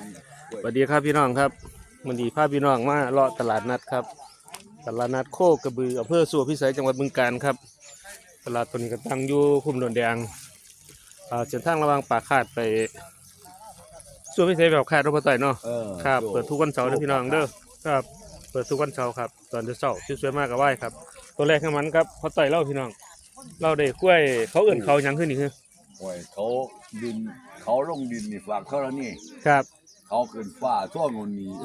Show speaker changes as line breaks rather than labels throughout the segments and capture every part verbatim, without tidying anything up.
สวัสดีครับพี่น้องครับวันนี้พาพี่น้องมาเลาะตลาดนัดครับตลาดนัดโคกระบืออำเภอสัวพิสัยจังหวัดบึงกาฬครับตลาดตัวนี้ก็ตั้งอยู่คุ้มโดนแดงเส้นทางระหว่างปากคาดไปสัวพิสัยแบบคาดรถไฟต่อยเนาะครับเปิดทุกวันเสาร์นะพี่น้องเด้อครับเปิดทุกวันเสาร์ครับตอนเช้าชื่อสวยมากกับไหว้ครับตัวแรกข้างมันครับพอต่อยเล่าพี่น้องเล่าได้กล้วยเขาเอื่นเขายังขึ้นอีกคือ
โอ้ยเขาดินเขาลงดินนี่ฝากเขาแล้วนี่
ครับ
เขาขึ้นฟ้าทั่วงนนี้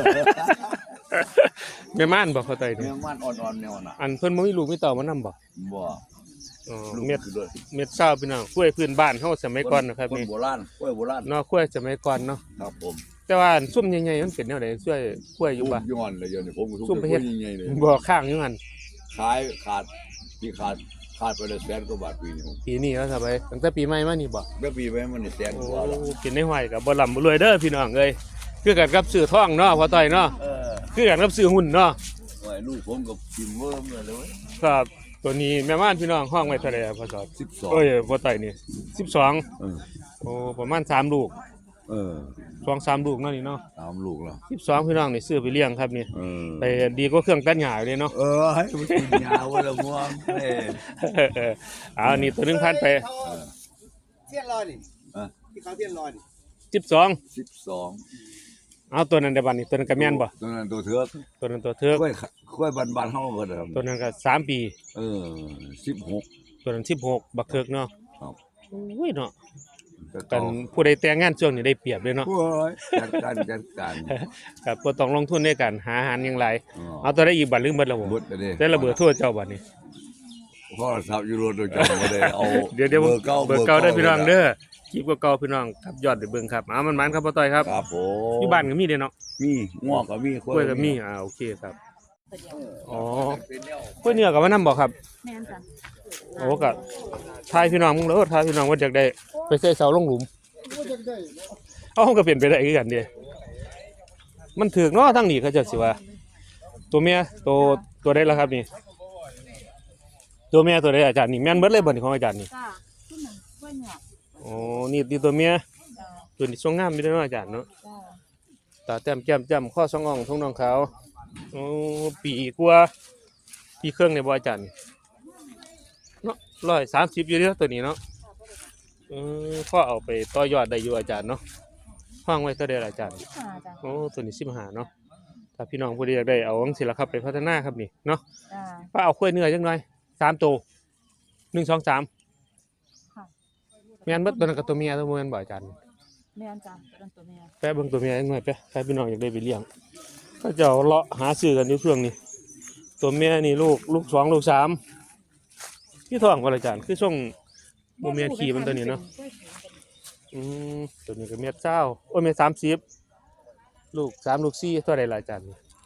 แม่ม่านบอกเขาไต่เนี่ย
แม่ม่านอ่อนๆแนวน่ะ
อันเพิ่นบ่มีลูกมีเต่ามานํบ่
บ่
อ๋อเม็ดเม็ดเศร้าพี่น้องกล้วยพื้นบ้านเฮาสมัยก่อนนะครับนี่
โบราณกล้วยโบราณ
เนาะกล้วยสมัยก่อนเนาะ
ครับผม
แต่ว่าซุ่มใหญ่ๆมันเป็นแนวใดช่วยกล้วยอยู่บ่
ย้อนเลยเดี๋ยวนี้ผมซุ่มไปเฮ็ดใหญ่ๆเลย
บ่ข้างอยู่หั่น
ขายขาดที่ขาดขาดไปเลยแสนกว่าบาทปีนี้
ปีนี้แล้วครับไปตั้งแต่ปีใหม่มานี่บ่
เมื่อปีไปมันนี่แสนกว่าแล้ว
กินในห้อยก็บ่ร่ำบ่รวยเด้อพี่น้องเอ้ยคือกันกับซื้อทองเนาะพอต่อยเนาะเออคือกันกับซื้อหุ้นเนาะ
โอ้ยลูกผมก็กินเวิร์มเลย
ครับตัวนี้แม่ม่านพี่น้องห้องไว้เท่าไหร่ครับพ่อสอด
สิบสอง
โอ้ยพอต่อยนี่สิบสองเออโอ้ประมาณสามลูก
เออ
สองสามลูกเนาะนี่เนาะ
สามลูกแล้ว
สิบสองพี่น้องนี่ซื้อไปเลี้ยงครับนี่ไปดีกว่าเครื่องตัดหญ้าเลยเนาะ
เออให้มันกินหญ้าวันละม่วงเอ
อเอานี่ตัวนึงพันไป
เทียนลอยนี่ที่เขาเทียนลอยนี่
สิบสอง
สิบสอง
เอาตัวนั้นได้บัดนี้ตัวนั้นก็แม่นบ่
ตัวนั้นตัวเถือก
ตัวนั้นตัวเถือก
ค่อยค่อยบานๆเฮาเบิดครับ
ตัวนั้นก็สามปี
เออสิบหก
ตัวนั้นสิบหกบักเถือกเนาะ
ครับ
โอ้ยเนาะกันผู้ใดแต่งงานช่วงนี้ได้เปรียบเลยเนาะ
โอ้ยจัดการจัดการ
ครับบ่ต้องลงทุนในการหาอาหารอย่างไรเอาตัวได้อีกบัดลืมเบิดแล้วบ่แต่ระเบิดทั่วเจ้าบัดนี้
พ่อทราบอยู่รถโดยจังบ่ได้เอา
เดี๋ยวๆเบอร์เก่าเบอร์เก่าได้พี่น้องเด้อคลิปเก่าๆพี่น้องครับยอดไปเบิ่งครับเอามันๆครับพ่อต้อยครับ
ครับผม
อยู่บ้านก็มีเด้เนาะ
มีงอกก็มี
กล้วยก็มีอ่าโอเคครับอ๋อกล้วยเนื้อก็มานำบ่ครับ
แม่นจ้ะ
โอ้ก็ทายพี่น้องมึงแล้วทายพี่น้องว่าจักได้ไปใส่เสาลงหลุมเอาก็เปลี่ยนไปได้คือกันเด้มันถึกเนาะทางนี้เขาเจ้าสิว่าตัวเมียตัวตัวใดล่ะครับนี่ตัวเมียตัวใดอาจารย์นี่แม่นเบิดเลยบ่นี่ของอาจารย์นี่
จ้ะขึ้นหนึ่งกล้วยเนี่ย
อ๋อนี่นี่ตัวเมียตัวนี้ทรงงามมีเด้อเนาะอาจารย์เนาะตาแต้มแก้มจ้ำข้อสองอ่องทุ่งน้องขาวโอ้ปีกว่าปีเครื่องในบ่อาจารย์เนาะร้อยสามสิบอยู่เด้อตัวนี้เนาะเออพ่อเอาไปต่อยอดได้อยู่อาจารย์เนาะห้องไว้เท่าใดล่ะอาจารย์โอ้ตัวนี้สิบห้าเนาะถ้าพี่น้องผู้ใดอยากได้เอาจังซี่ล่ะครับไปพัฒนาครับนี่เนาะป้าเอากล้วยเนื้อจังหน่อยสามตัวหนึ่ง สอง สามแม่นเบิดตัวนั้นกับตัวเมียตัวแม่นบ่อาจารย์
แม่นจ้ะเป็นตัวเมีย
แปะเบิ่งตัวเมียจังหน่อยแปะใครพี่น้องอยากได้ไปเลี้ยงก็เจ้าเลาะหาซื้อกันอยู่ช่วงนี้ตัวเมียนี่ลูกลูกสองลูกสามที่ท้องบ่อาจารย์คือช่วงบ่เมียขี่มันตัวนี้เนาะอืมตัวนี้ก็เมียเจ้าโอ้ยเมียสามสิบลูกสามลูกสี่เท่าใดล่ะอาจารย์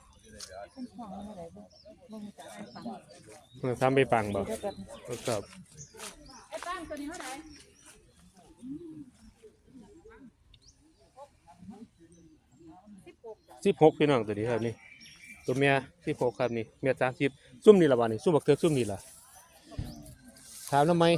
มันทำไปปังบ่ครับ
ไอ้ปังตัวนี้เท่าไหร่
สิบหกพี่น้องตัวนี้ครับนี่ตัวเมียสิบหกครับนี่เมียสามสิบซุ่มนี่ละบ้านนี่ซุ่มบักเทือกซุ่มนี่ละถามทำไม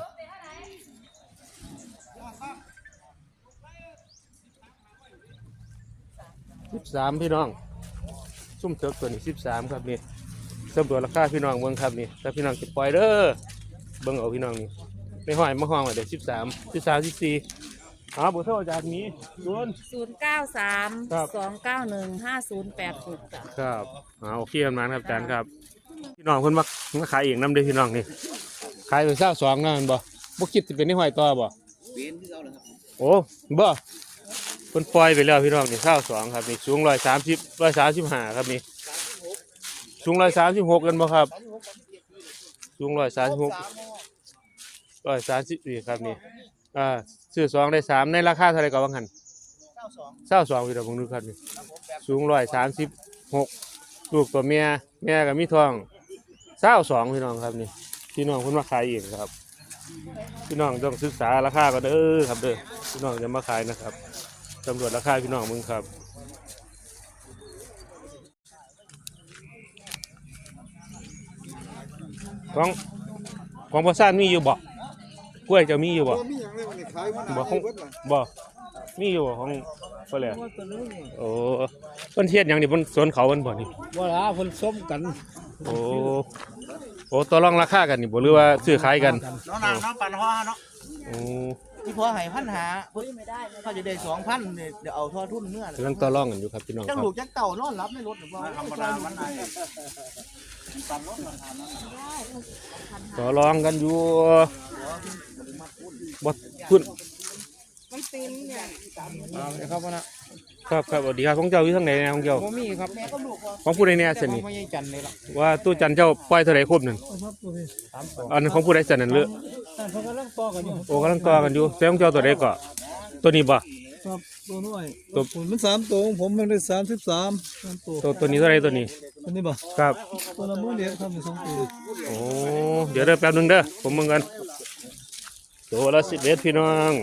สิบสามพี่น้องซุ่มเทือกตัวนี้สิบสามครับนี่สำรวจราคาพี่น้องเมืองครับนี่แต่พี่น้องจะปล่อยเด้อเบิ่งเอาพี่น้องนี่ไม่ห้อยมาห้องไว้เดี๋ยวสิบสามสิบสามสิบสี่อ๋อบุตรอาจารย์มีศูนย์
ศูนย์เก้าสามสองเก้าหนึ่งห้าศูนย์แปดหกจ้ะ
ครับอ๋อโอเคกันมาครับอาจารย์ครับพี่น้องเพิ่นมามาขายเองน้ำเด้อพี่น้องนี่ขายเป็นเศร้าสองนั่นบ่บ่คิดจะเป็นนี่ห้อยต่อบ่เป็นที่เก่าเลยครับโอ้บ่เพิ่นปล่อยไปแล้วพี่น้องนี่เศร้าสองครับนี่สูงร้อยสามสิบร้อยสามสิบห้าครับนี่สูงร้อยสามสิบหกกันบ่ครับสูงร้อยสามสิบหกร้อยสามสิบสี่ครับนี่อ่าซื้อสองได้สามในราคาเท่าไรก็บางหันเศร้าสองพี่น้องผมดูครับนี่สูงร้อยสามสิบหกลูกตัวเมียแม่กับมีทองเศร้าสองพี่น้องครับนี่พี่น้องคนมาขายเองครับพี่น้องต้องศึกษาราคาก็เด้อครับเด้อพี่น้องจะมาขายนะครับตำรวจราคาพี่น้องมึงครับของของประสานมีอยู่บ่กล้วยจะมีอยู่บ่บ่ของบ่มีอยู่ของบ่แล้วโอ้เพิ่นเฮ็ดหยังนี่เพิ่นสวนเขาเพิ่นบ่นี่
ว่าละคนส้มกัน
โอ้โอ้ต่อรองราคากันนี่บ่หรือว่าซื้อขายกัน
น้องนางน้องปันห่อเนาะ
โอ้
ที่พอให้พันหาเพิ่นเขาจะได้สองพันเดี๋ยวเอาทอทุนเมื่อก
ำลังต่อรองกันอยู่ครับพี่น้องค
จัง
รับ
ลูกจังเต่านอนรับในรถหรือว่าธรรมดามันได้
ต่อรองกันอยู่บ่ทุน
เอาเลยครับว่านะครับ
ครับสวัสดีครับของเจ้าอยู่ทางไหนแน่ของเจ้า
บ่มีครับ
ของผู้ใดแน่ซั่น
แต่
นี่
ไม่ใช่จันเลยล่ะ
ว่าตู้จันเจ้าปล่อยเท่าไหร่ครบนั่น
สามตัว
อันนั้นของผู้ใดซั่นนั่นเลือ
แต่เขากำลังต่อกันอยู่
โอ้กำลังต่อกันอยู่แต่ของเจ้าตัวใดก็ตัวนี้บ่
ครับตัวน้อย
ตัว
ผมมันสามตัวของผมมันได้สามสิบสามสามตัว
ตัวตัวนี้เท่าไหร่ตัวนี้
ตัวนี้บ่
ครับ
ตัวละหมื่นเดียวครับมีสองตัว
โอ้เดี๋ยวเด้อแป๊บหนึงเด้อผมมึงกันตัวละสิบเอ็ดพี่น้อง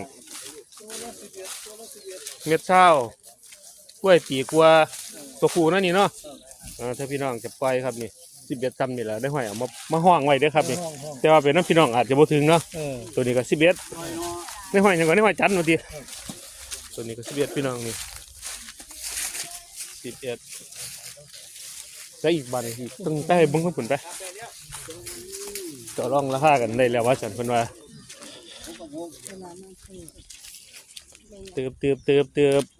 เม็ดเช้ากล้วยปีกว่าตัวผู้นั่นนี่เนาะอ่าถ้าพี่น้องจะปล่อยครับนี่สิบเอ็ดจำนี่แหละได้ห้อยเอามามาห้องไว้เด้อครับนี่
ห้องห้อง
แต่ว่าเป็นน้ำพี่น้องอาจจะบ่ถึงเนาะ
เออ
ตัวนี้ก็สิบเอ็ดได้ห้อยยังก่อนได้ห้อยจันทร์มาทีตัวนี้ก็สิบเอ็ดพี่น้องนี่สิบเอ็ดได้อีกบันอีกต้องได้เบิ้งข้างผุนไปต่อรองราคากันได้แล้วว่าฉันเพิ่นว่าเติบเติบเติบเติบ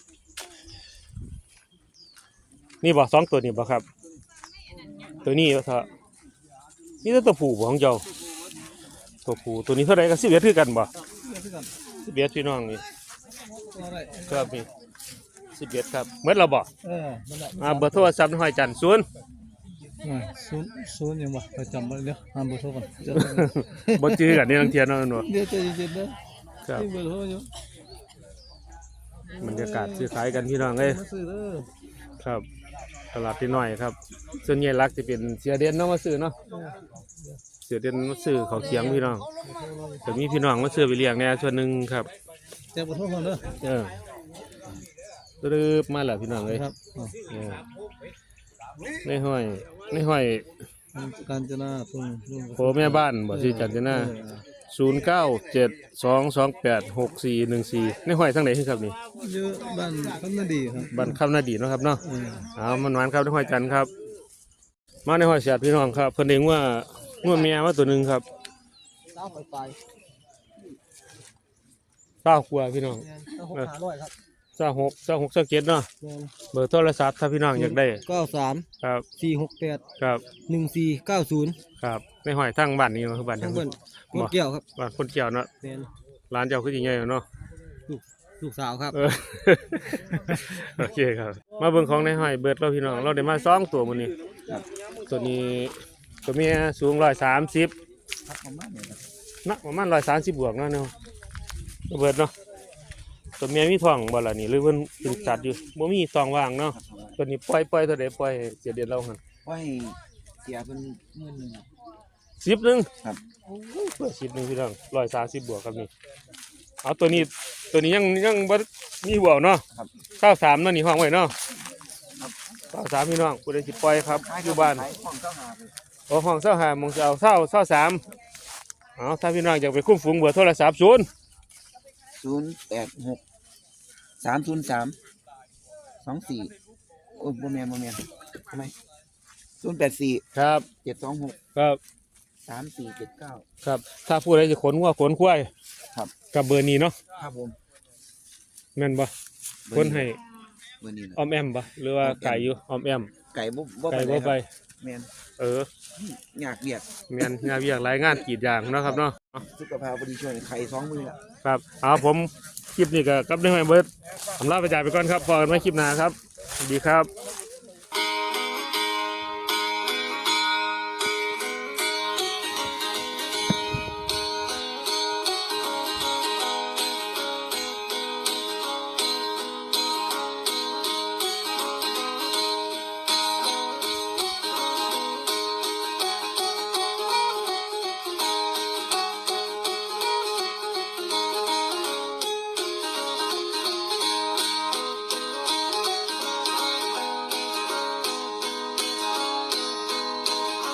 นี่บอกสองตัวนี่บอกครับ ตัวนี้ว่าเถอะนี่ตัวผู้บ่ของเจ้าตัวผู้ตัวนี้เท่าไหร่ก็สิบเอ็ดคือกันบ่สิบเอ็ดพี่น้องนี่ครับนี่สิบเอ็ดครับเมื่อเราบอก
เออนั่นแหละ
อ่าเบอร์โทรศัพท์ห้อยจันทร์ศูนย์
อ่าศูนย์ศูนย์ยังบ่ไปจำไว้เดี๋ยวอ่านเบอร์โทรก่อนจะ
บ่จื้อกันนี่ลังเทียนเนาะหนู
เดี๋ยวใจเย็นๆเด้อ
ครับ
ที่เบอร์โทรอยู่
บรรยากาศซื้อขายกันพี่น้องเอ้ย
มาซื้อเด้อ
ครับตลาดที่น้อยครับส่วนใหญ่หลักจะเป็นเสียเด่นเนาะมาซื้อเนาะเสียเด่นมาซื้อเขาวเคียงพี่น้องแต่มีพี่น้องมาซื้อไปเลี้ยงแน่ส่วนหนึ่งครับ
แจ้งเบอร์โทรก่อนเด้อ
เออรึบมาแล้วพี่น้องเอ้ย
ครับ
เออในห้อยในห้อย
กาญจนาทุ่งทุ่ง
โผแม่บ้านบ่ชื่อจันทนาศูนย์เก้าเจ็ดสองสองแปดหกสี่หนึ่งสี่ในห้อยทั้งไหนครับนี่
เยอะบ้านคำนาดีครับ
บ้านคำนาดีเนาะครับเนาะ
เออ
เอามันหวานครับในห้อยจันทร์ครับ มาในห้อยเสียดพี่น้องครับเพิ่นเองว่างัวเมียว่าตัวหนึ่งครับ
เก้าไปไป
เก้าครัวพี่น้อง
เก้าหกห้าร้อยครับ
เก้าหกเก้าหกเก้าเจ็ดเนาะเบอร์โทรศัพท์ถ้าพี่น้องอยากได้
เก้าสาม
ครับ
สี่หกแปด
ครับ
หนึ่งสี่เก้าศูนย์
ครับในห้อยทั้งบ้านนี้เนาะคือบ้าน
ทั้
ทั้
ง
ง
เบิ้ลพวกเกี่ยวครับ
บ้านคนเกี่ยวเนาะ
เป็น
ร้านเจ้าคือจริงใหญ่เนาะ
ลูกสาวครับ
เออ โอเคครับ มาเบิ่งของในห้อยเบิดเราพี่น้องเราได้มาสองตัวมื้อนี้ตัวนี้ตัวเมียสูงร้อยสามสิบ
ครับประมาณนี้ครับ
นะประมาณร้อยสามสิบบวกเนาะเนาะระเบิดเนาะตัวเมียมีท้องบ่ล่ะนี่หรือเพิ่นเป็นสัตว์อยู่บ่มีท้องว่างเนาะตัวนี้ปล่อยปล่อยเท่าใดปล่อยเสียเดือนเราหั่น
ไว้เสียเป็นหมื่นหนึ่ง
สิบหนึง
ครับ
โอ้ยเปิดสิบหนึงพี่น้องร้อยสามสิบบวกครับนี่เอาตัวนี้ตัวนี้ยังยังบ่มีบวกเนาะ
ครับ
เก้าสามเนาะนี่ห้องไว้เนาะเก้าสามพี่น้องผู้ใดสิปล่อยครับอยู่บ้าน
ขายของเจ้าหาไป
โอ้ห้องเศร้าหามงจะเอาเศร้าเศร้าสามเอาถ้าพี่น้องอยากไปคุ้มฝูงเบอร์โทรศัพท์ศูนย์
ศูนย์แปดหกสามศูนย์สามสองสี่โอ้ยโมเมนโมเมนทำไมศูนย์แปดสี่
ครับ
เจ็ดสองหก
ครับ
สามสี่เจ็ดเก้า
ครับถ้าผู้ใดจะขนวัวขนควาย
ครับ
กับเบอร์นี้เนาะ
ครับผม
แม่นบ่ขนให้
เบอร์นี้นะ
ออมแอมบ่หรือว่าไก่อยู่ออมแอม
ไก่บ่บ่
ไก่
ไป
บ่ไป
แมน
เออ
อยากเบียด
แม่นงานเวียกรายงานกรีดยางเนาะครับเนาะ
สุขภาพบดีช่วยไข่สองมือละ
ครับเอาผมคลิปนี้ก็กับได้ให้เบิร์ดผมลาไปจ่ายไปก่อนครับพอกันไว้คลิปหน้าครับสวัสดีครับ